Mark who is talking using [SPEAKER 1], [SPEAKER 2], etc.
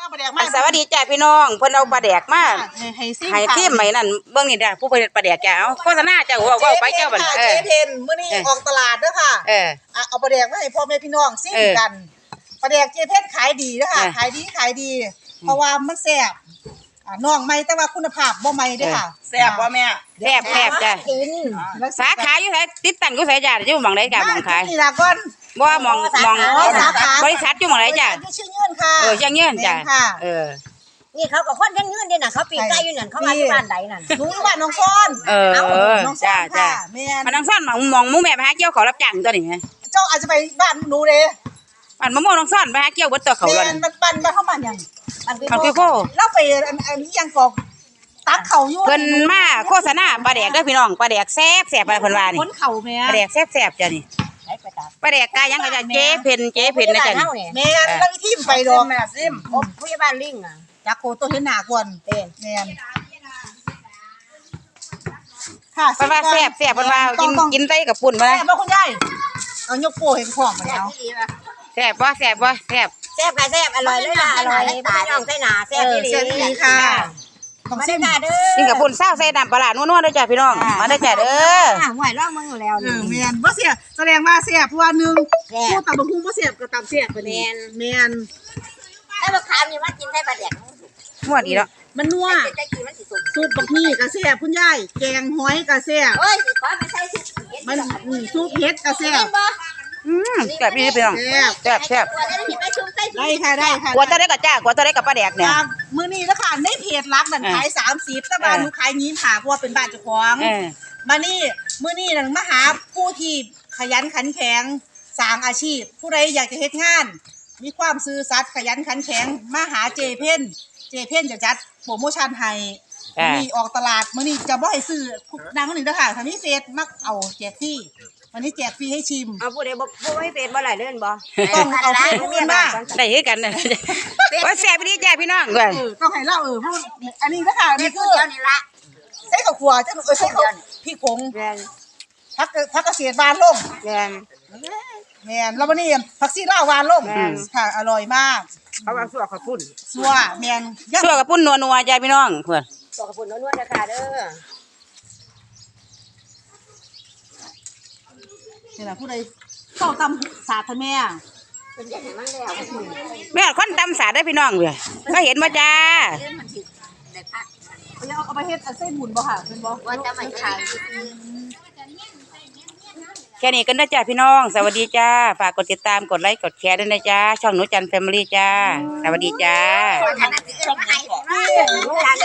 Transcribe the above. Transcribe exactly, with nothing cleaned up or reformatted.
[SPEAKER 1] ปลาแดกมา
[SPEAKER 2] สวัสดีจ้าพี่น้องเพิ่นเอาปลาแดกมา
[SPEAKER 1] ให้ซิม
[SPEAKER 2] ให้ซิมใหม่นั่นเบิ่งนี่เด้อผู้ผลิตปลาแดกจ้าเอาโฆษณาจ้าเว้าเว้าไปเจ้าบัดเอ
[SPEAKER 1] เจ๊
[SPEAKER 2] อ
[SPEAKER 1] เพนมื้อนี้ออกตลาดเด้อค่ะ
[SPEAKER 2] เออ
[SPEAKER 1] เอาปลาแดกมาให้พ่อแม่พี่น้องซิมกันปลาแดกเจ๊เพนขายดีเด้อค่ะขายดีขายดี เพราะว่ามันแซ่บอ่าน้องใหม่แต่ว่าคุณภาพบ่ใหม่เด้อค่ะแซ่บบ่แม่
[SPEAKER 2] แซ่บแซ่บจ้า
[SPEAKER 1] กิน
[SPEAKER 2] สาขาอยู่ไสติดตั้งอยู่ไสจ้าอยู่หม่องใดจ้าหม่องขาย
[SPEAKER 1] นี่ล่ะก่อน
[SPEAKER 2] บ่หม่องหม่อง
[SPEAKER 1] สาขา
[SPEAKER 2] บริษัทอยู่หม่องใดจ้า
[SPEAKER 1] ชื่อเงื่อนค่ะ
[SPEAKER 2] เออยังเงื่อนจ้าเออ
[SPEAKER 3] นี่เขาก็คนยังเงื่อนเด้น่ะเขาปีนใกล้อยู่นั่นเขามาที่บ้านใดนั่น
[SPEAKER 1] หนูอยู่บ้านน้องซ้อน
[SPEAKER 2] เออ
[SPEAKER 1] น้องซ้อ
[SPEAKER 2] จ้าน จ้า
[SPEAKER 1] ค่ะแม่น
[SPEAKER 2] มันน้องซ่อนหม่องหม่องหมู่แม่ไปหาเกี่ยวเขารับจ้างตัวนี้ไง
[SPEAKER 1] เจ้าอาจจะไปบ้านหนูเด้
[SPEAKER 2] บ้านมะม่วงน้องซ่อนไปหาเกี่ยวเบิดตัวเขา
[SPEAKER 1] แม่
[SPEAKER 2] แล้ว
[SPEAKER 1] น
[SPEAKER 2] นั่น
[SPEAKER 1] มันปันมาเข้ามาหยัง
[SPEAKER 2] มันคือโค
[SPEAKER 1] เราไปอันอันนี้ยังกอกตักเขาอยู่
[SPEAKER 2] เพิ่นมาโฆษณาปลาแดกเด้อพี่น้องปลาแดกแซ่บแซ่บอะไรเพิ่นว่านี่
[SPEAKER 1] คนเข่าแม่
[SPEAKER 2] ปลาแดกแซ่บแซ่บจ้ะนี่
[SPEAKER 3] ไปไปตาม
[SPEAKER 2] ปลาแดกกายังก็จะเจ๊เพ็นเจ๊เพ็นนะจ้ะนี่
[SPEAKER 1] แม่แล้ววิธีไปดอกแม่ซิม
[SPEAKER 3] โอ้ผู้ใหญ่บ้านลิงอ่ะ
[SPEAKER 1] จากโคตัวเห็นหน้ากวน
[SPEAKER 3] เป็น
[SPEAKER 1] แม่นค่ะ
[SPEAKER 2] เพิ่นว่าแซ่บแซ่บเพิ่นว่ากินกินไส้กับปุ่นมา
[SPEAKER 1] แซ่บบ่คุณยายเอายกโป้เห็นของมาแล้ว
[SPEAKER 2] แซ่บบ่แซ่บบ่แซ่บ
[SPEAKER 3] แซ่บค่ะแซ่บอร่อยเลยล่ะอร่อยพี่น้องใส่หนาแซ่บดี
[SPEAKER 1] แซ่บดีค่ะต้อง
[SPEAKER 3] มา
[SPEAKER 1] ซิ
[SPEAKER 3] ได้
[SPEAKER 1] ม
[SPEAKER 3] จ้าเด้อ
[SPEAKER 2] กินกับปุ่นเศร้าใส่น้ำปลาร้านัวๆเด้อจ้ะพี่น้องมาเด้อจ้ะเด้อ
[SPEAKER 3] หวยร่องมึงอยู่แล้ว
[SPEAKER 1] เอ
[SPEAKER 3] นี่
[SPEAKER 1] อแม่นบ่เสียแสดงว่าเสียเพราะว่าหนึ่ง
[SPEAKER 3] แซ่บ
[SPEAKER 1] พูดตามบ่ฮู้บ่เสียก็ตามเสียไปนี่แม่น
[SPEAKER 3] ไอ้บักขามนี่มากินไส้ปลาแดก
[SPEAKER 2] ม่วนอีเนาะ
[SPEAKER 1] มันนัว
[SPEAKER 3] จะกินมันสิสุก
[SPEAKER 1] ซุปบักมี่ก็แซ่บคุณยายแกงหอยก็แซ่บ
[SPEAKER 3] เอ้ยสิขอไปใส่สิ
[SPEAKER 1] มันอืมซุปเห็ดก็แซ่บ
[SPEAKER 3] บ่
[SPEAKER 2] อืมแซ่บพี่พี่น้อง
[SPEAKER 1] แซ่บ
[SPEAKER 2] แซ่บแซ่บ
[SPEAKER 3] ตัวได้สิไปชุมใส่สิ
[SPEAKER 1] ได้ค่ะได้ค่ะ
[SPEAKER 2] กลัวจะได้กับจ้ากลัวจะได้กับปลาแดกเนี่ย
[SPEAKER 1] จากมื้อนี้แล้วค่ะในเพจรักนั่นขายสามสิบแต่บ้านหนูขายยี่สิบห้าเพราะว่าเป็นบ้านเจ้าของ
[SPEAKER 2] เออ
[SPEAKER 1] มานี่มื้อนี้นั่นมาหาผู้ที่ขยันขันแข็งสร้างอาชีพ ผู้ใดอยากจะเฮ็ดงาน มีความซื่อสัตย์ขยันขันแข็งมาหาเจเพ่นเจเพ่นจะจัดโปรโมชั่นให้มื้อนี้ออกตลาดมื้อนี้จะบ่ให้ซื้อนางคนหนึ่งเด้อค่ะถ้ามีเฟซมักเอาแจกฟรีวันนี้แจกฟรีให้ชิม
[SPEAKER 3] เอาผู้ใดบ่ผู้ไม่เป็นบ่หลายเล่นบ่
[SPEAKER 1] ต้องเอาเฟซผู้อื่นมา
[SPEAKER 2] ได้คือกันนะว่าแซ่บพี่จ้าพี่น้องก่อน
[SPEAKER 1] เออต้องให้เล่าเออเพราะอันนี้เด้อค่ะ
[SPEAKER 3] นี่
[SPEAKER 1] นี่
[SPEAKER 3] คื
[SPEAKER 1] คือ อ
[SPEAKER 3] เดียวนี่ละ
[SPEAKER 1] ใส่ข้าวคั่วจังเออใส่ข้าวพริกผง
[SPEAKER 3] แม่น
[SPEAKER 1] ผักผักเกษตรหวานลง
[SPEAKER 3] แม่น
[SPEAKER 1] แม่นแล้ววันนี้ผักซีลาวหวานลงค่ะอร่อยมาก
[SPEAKER 3] เขาว่าสัวข้าวปุ้น
[SPEAKER 1] ซัวแม่นย่ำ
[SPEAKER 2] ชั่วกับปุ่นนัวๆจ้าพี่น้องเพื่อน
[SPEAKER 3] สัวข้าวปุ้นนวลๆนะคะเด้อ
[SPEAKER 1] นี่ล่ะผู้ใดเข้าตำสาดท่านแม่
[SPEAKER 3] เป็นอย่างนั้นแล้ว
[SPEAKER 2] แม่คนตำสาดได้พี่น้องเว้ยก็เห็นว่าจ้า
[SPEAKER 3] เรื่องมันสิได้พัก
[SPEAKER 1] เอาเอาไปเฮ็ดอันเส้นบุญบ่ค่ะเป็นบ่
[SPEAKER 3] ว่าจะมาขาย
[SPEAKER 2] แค่นี้กันนะจ้าพี่น้องสวัสดีจ้าฝากกดติดตามกดไลค์กดแชร์ด้วยนะจ้าช่องหนูจันแฟมิลี่จ้าสวัสดีจ้า
[SPEAKER 3] ว่าขนาด